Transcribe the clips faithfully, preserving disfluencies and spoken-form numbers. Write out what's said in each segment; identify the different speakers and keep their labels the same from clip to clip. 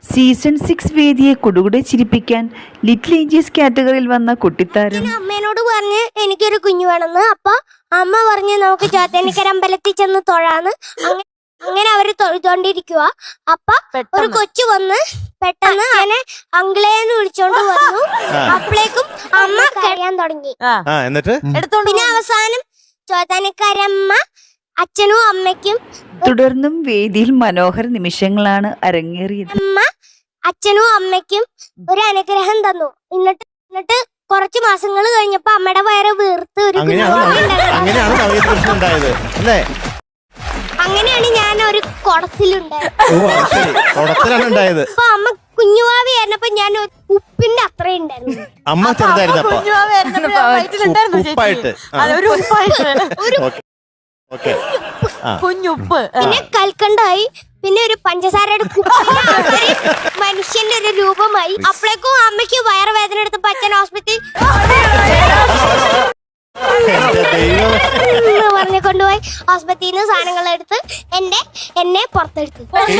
Speaker 1: Season six വേദിയെ കുടുകുടെ ചിരിപ്പിക്കാൻ ലിറ്റിൽ ഏഞ്ചൽസ് കാറ്റഗറിയിൽ വന്ന കുട്ടിത്താരം
Speaker 2: അമ്മേനോട് പറഞ്ഞ് എനിക്കൊരു കുഞ്ഞു വേണമെന്ന്. അപ്പൊ അമ്മ പറഞ്ഞ് നമുക്ക് ചോത്തനിക്കര അമ്പലത്തിൽ ചെന്ന് തൊഴാന്ന്. അങ്ങനെ അവര് തൊഴുതോണ്ടിരിക്കുക. അപ്പൊ ഒരു കൊച്ചു വന്ന് പെട്ടെന്ന് അതിനെ അങ്കിളേന്ന് വിളിച്ചോണ്ട് വന്നു. അപ്പോഴേക്കും അമ്മ കഴിയാൻ തുടങ്ങി. പിന്നെ അവസാനം ചോത്തനിക്കരമ്മ അച്ഛനും അമ്മയ്ക്കും
Speaker 1: തുടർന്നും വേദിയിൽ മനോഹര നിമിഷങ്ങളാണ് അരങ്ങേറിയത്.
Speaker 2: അമ്മ അച്ഛനും അമ്മയ്ക്കും ഒരു അനുഗ്രഹം തന്നു. എന്നിട്ട് എന്നിട്ട് കുറച്ച് മാസങ്ങൾ കഴിഞ്ഞപ്പോ അമ്മയുടെ വയറ് വീർത്ത് ഒരു അങ്ങനെയാണ് ഞാൻ ഒരു കുടത്തിലുണ്ടായത്. അപ്പൊ അമ്മ കുഞ്ഞുവാവി ആയിരുന്നപ്പോ ഞാൻ ഉപ്പിന്റെ അത്ര ഉണ്ടായിരുന്നു.
Speaker 3: അമ്മ ചെറുതായിരുന്നപ്പോ
Speaker 4: കുഞ്ഞുപ്പ്
Speaker 2: പിന്നെ കൽക്കണ്ടായി. പിന്നെ ഒരു പഞ്ചസാരയുടെ മനുഷ്യന്റെ ഒരു രൂപമായി. അപ്പോഴേക്കും അമ്മയ്ക്ക് വയറുവേദന എടുത്തപ്പോ അച്ഛൻ ഹോസ്പിറ്റലിൽ പറഞ്ഞു കൊണ്ടുപോയി. ഹോസ്പിറ്റലിൽ നിന്ന് സാധനങ്ങൾ എടുത്ത് എന്റെ എന്നെ പുറത്തെടുത്തു.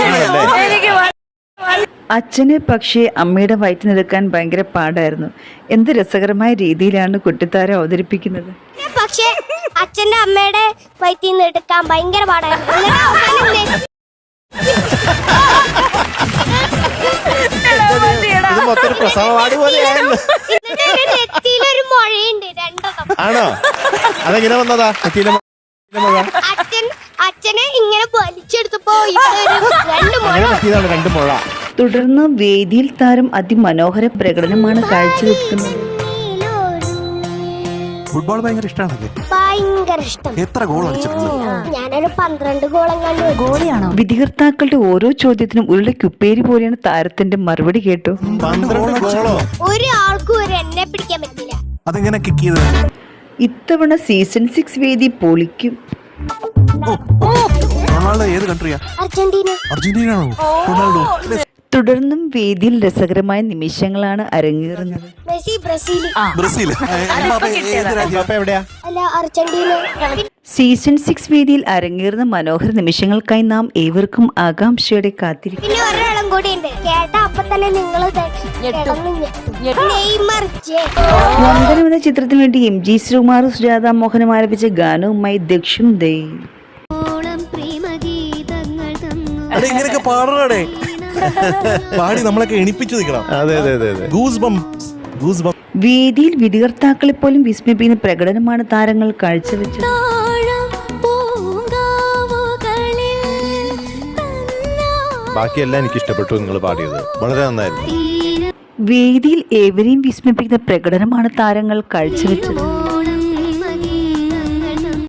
Speaker 1: അച്ഛനെ പക്ഷേ അമ്മയുടെ വയറ്റിനെടുക്കാൻ ഭയങ്കര പാടായിരുന്നു. എന്ത് രസകരമായ രീതിയിലാണ് കുട്ടിത്താരം അവതരിപ്പിക്കുന്നത്.
Speaker 2: പക്ഷെ അച്ഛന്റെ അമ്മയുടെ വയറ്റിൽ നിന്ന് എടുക്കാൻ ഭയങ്കര പാടായിരുന്നു. നെറ്റിയിലൊരു മുഴയുണ്ട് രണ്ടെണ്ണം.
Speaker 3: ആണോ? അതെങ്ങനെ വന്നതാ?
Speaker 2: അച്ഛൻ അച്ഛനെ ഇങ്ങനെ വലിച്ചെടുത്തപ്പോ
Speaker 3: രണ്ട് മുഴ.
Speaker 1: തുടർന്ന് വേദിയിൽ താരം അതിമനോഹര പ്രകടനമാണ് കാഴ്ചവെക്കുന്നത്.
Speaker 5: ഫുട്ബോൾ ഭയങ്കര ഇഷ്ടമാണല്ലേ?
Speaker 2: ഭയങ്കര ഇഷ്ടം.
Speaker 5: എത്ര ഗോൾ അടിച്ചിട്ടുണ്ട്?
Speaker 2: ഞാനൊരു പന്ത്രണ്ട് ഗോളെങ്ങാണ്ട് ഗോളിയാണോ?
Speaker 1: വിധികർത്താക്കളുടെ ഓരോ ചോദ്യത്തിനും ഉരുളക്കുപ്പേരി പോലെയാണ് താരത്തിന്റെ മറുപടി കേട്ടു.
Speaker 2: ഒരാൾക്കും ഒരു എന്നെ പിടിക്കാൻ പറ്റില്ല.
Speaker 5: അതെങ്ങനെ കിക്ക് ചെയ്തത്?
Speaker 1: ഇത്തവണ സീസൺ സിക്സ് വേദി പൊളിക്കും.
Speaker 5: റൊണാൾഡോ ഏത് കൺട്രിയാ?
Speaker 2: അർജന്റീന.
Speaker 5: അർജന്റീന ആണോ? റൊണാൾഡോ.
Speaker 1: തുടർന്നും വേദിയിൽ രസകരമായ നിമിഷങ്ങളാണ് അരങ്ങേറുന്നത്.
Speaker 2: Messi Brazil.
Speaker 5: ബ്രസീൽ.
Speaker 2: അല്ല അർജന്റീന.
Speaker 1: സീസൺ സിക്സ് വേദിയിൽ അരങ്ങേറുന്ന മനോഹര നിമിഷങ്ങൾക്കായി നാം ഏവർക്കും ആകാംക്ഷയോടെ കാത്തിരിക്കും.
Speaker 2: പിന്നെ ഒരാളും കൂടി ഉണ്ട്. കേട്ട അപ്പൊ തന്നെ നിങ്ങൾ
Speaker 1: വന്ദനം എന്ന ചിത്രത്തിന് വേണ്ടി എം ജി ശ്രീകുമാർ സുജാത മോഹനം ആലപിച്ച ഗാനവുമായി ദക്ഷും ദേ.
Speaker 5: അതെങ്ങനെയൊക്കെ പാടണേ പാടി നമ്മളൊക്കെ എണിപ്പിച്ചു നിൽക്കണം.
Speaker 3: അതെ അതെ അതെ
Speaker 5: ഗൂസ് ബംസ്, ഗൂസ് ബംസ്.
Speaker 1: വേദിയിൽ വിധികർത്താക്കളെ പോലും വിസ്മയിപ്പിക്കുന്ന പ്രകടനമാണ് താരങ്ങൾ കാഴ്ചവെച്ചത്.
Speaker 3: ബാക്കിയെല്ലാം എനിക്ക് ഇഷ്ടപ്പെട്ടു. നിങ്ങൾ പാടിയത് വളരെ നന്നായിരുന്നു.
Speaker 1: വേദിയിൽ ഏവരെയും വിസ്മയിപ്പിക്കുന്ന പ്രകടനമാണ് താരങ്ങൾ കാഴ്ചവെച്ചത്.